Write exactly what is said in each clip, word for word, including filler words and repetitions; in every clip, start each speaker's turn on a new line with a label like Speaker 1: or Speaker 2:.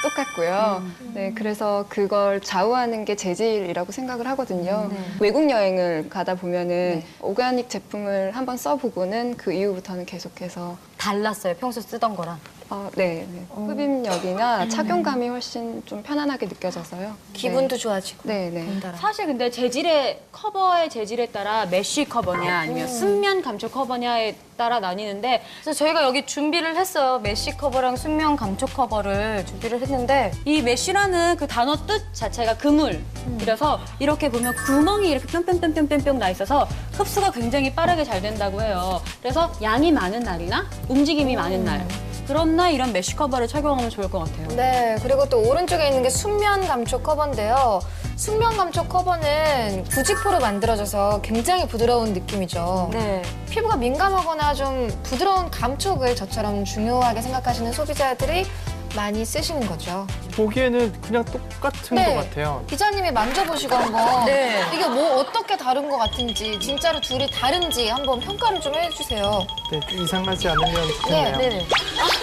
Speaker 1: 똑같고요. 음. 네, 그래서 그걸 좌우하는 게 재질이라고 생각을 하거든요. 네. 외국 여행을 가다 보면은 네. 오가닉 제품을 한번 써보고는 그 이후부터는 계속해서
Speaker 2: 달랐어요, 평소 쓰던 거랑.
Speaker 1: 어, 네, 네. 흡입력이나 착용감이 훨씬 좀 편안하게 느껴져서요.
Speaker 2: 기분도
Speaker 1: 네.
Speaker 2: 좋아지고.
Speaker 1: 네, 네.
Speaker 3: 사실 근데 재질의 커버의 재질에 따라 메쉬 커버냐 아니면 순면 감촉 커버냐에 따라 나뉘는데
Speaker 2: 그래서 저희가 여기 준비를 했어요. 메쉬 커버랑 순면 감촉 커버를 준비를 했는데
Speaker 3: 이 메쉬라는 그 단어 뜻 자체가 그물이라서 이렇게 보면 구멍이 이렇게 뿅뿅뿅뿅뿅 나 있어서 흡수가 굉장히 빠르게 잘 된다고 해요. 그래서 양이 많은 날이나 움직임이 많은 날 그런 날 이런 메쉬 커버를 착용하면 좋을 것 같아요.
Speaker 2: 네, 그리고 또 오른쪽에 있는 게 순면 감촉 커버인데요. 순면 감촉 커버는 부직포로 만들어져서 굉장히 부드러운 느낌이죠.
Speaker 3: 네.
Speaker 2: 피부가 민감하거나 좀 부드러운 감촉을 저처럼 중요하게 생각하시는 소비자들이 많이 쓰시는 거죠.
Speaker 4: 보기에는 그냥 똑같은
Speaker 2: 네.
Speaker 4: 것 같아요.
Speaker 2: 기자님이 만져보시고 한번
Speaker 3: 네.
Speaker 2: 이게 뭐 어떻게 다른 것 같은지 진짜로 둘이 다른지 한번 평가를 좀 해주세요.
Speaker 4: 네, 이상하지 않으면 좋겠네요.
Speaker 2: 네, 네.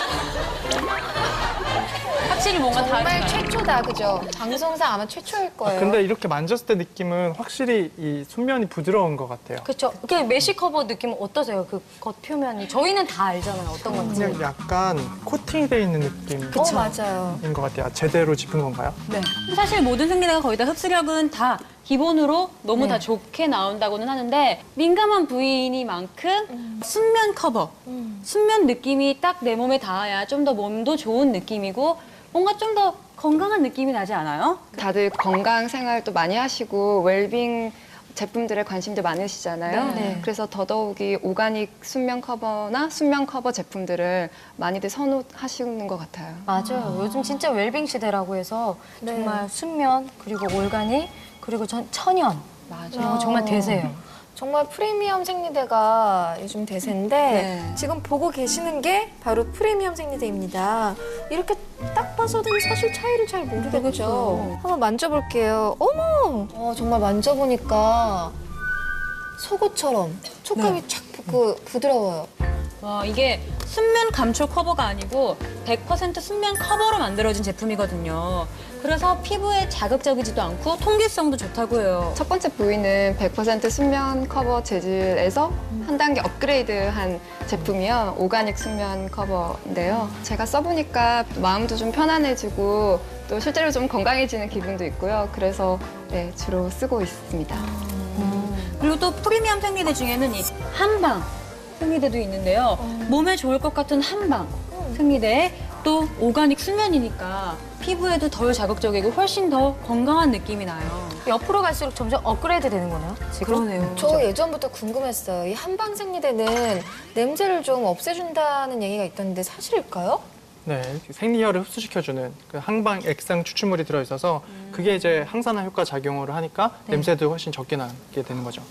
Speaker 3: 확실히 뭔가
Speaker 2: 정말
Speaker 3: 다르다.
Speaker 2: 최초다, 그죠? 방송상 아마 최초일 거예요.
Speaker 4: 근데 이렇게 만졌을 때 느낌은 확실히 이 순면이 부드러운 것 같아요.
Speaker 2: 그렇죠. 이렇게 메쉬 커버 느낌은 어떠세요? 그 겉 표면이 저희는 다 알잖아요. 어떤 건지.
Speaker 4: 그냥 약간 코팅이 돼 있는 느낌인
Speaker 2: 어, 맞아요.
Speaker 4: 것 같아요. 제대로 짚은 건가요?
Speaker 3: 네. 사실 모든 생리대가 거의 다 흡수력은 다 기본으로 너무
Speaker 2: 네.
Speaker 3: 다 좋게 나온다고는 하는데 민감한 부위니만큼
Speaker 2: 음.
Speaker 3: 순면 커버, 순면 느낌이 딱 내 몸에 닿아야 좀 더 몸도 좋은 느낌이고 뭔가 좀 더 건강한 느낌이 나지 않아요?
Speaker 1: 다들 건강 생활도 많이 하시고 웰빙 제품들에 관심도 많으시잖아요.
Speaker 2: 네, 네.
Speaker 1: 그래서 더더욱이 오가닉 순면 커버나 순면 커버 제품들을 많이들 선호하시는 것 같아요.
Speaker 2: 맞아요. 요즘 진짜 웰빙 시대라고 해서 정말 순면, 그리고 올가닉, 그리고 전, 천연. 맞아요. 정말 대세예요. 정말 프리미엄 생리대가 요즘 대세인데
Speaker 3: 네.
Speaker 2: 지금 보고 계시는 게 바로 프리미엄 생리대입니다. 이렇게 딱 봐서는 사실 차이를 잘 모르겠죠. 한번 만져볼게요. 어머! 어, 정말 만져보니까 속옷처럼 촉감이 촥 그, 부드러워요.
Speaker 3: 와, 이게 순면 감촉 커버가 아니고 백 퍼센트 순면 커버로 만들어진 제품이거든요. 그래서 피부에 자극적이지도 않고 통기성도 좋다고 해요.
Speaker 1: 첫 번째 부위는 백 퍼센트 순면 커버 재질에서 한 단계 업그레이드한 제품이요. 오가닉 순면 커버인데요. 제가 써보니까 마음도 좀 편안해지고 또 실제로 좀 건강해지는 기분도 있고요. 그래서 네, 주로 쓰고 있습니다.
Speaker 3: 그리고 또 프리미엄 생리대 중에는 이 한방 생리대도 있는데요. 몸에 좋을 것 같은 한방 생리대에 또 오가닉 순면이니까 피부에도 덜 자극적이고 훨씬 더 건강한 느낌이 나요.
Speaker 2: 옆으로 갈수록 점점 업그레이드 되는 거네요.
Speaker 3: 그러네요.
Speaker 2: 저 예전부터 궁금했어요. 이 한방 생리대는 냄새를 좀 없애준다는 얘기가 있던데 사실일까요?
Speaker 4: 네, 생리혈을 흡수시켜주는 그 항방 액상 추출물이 들어있어서 그게 이제 항산화 효과 작용을 하니까 냄새도 훨씬 적게 나게 되는 거죠.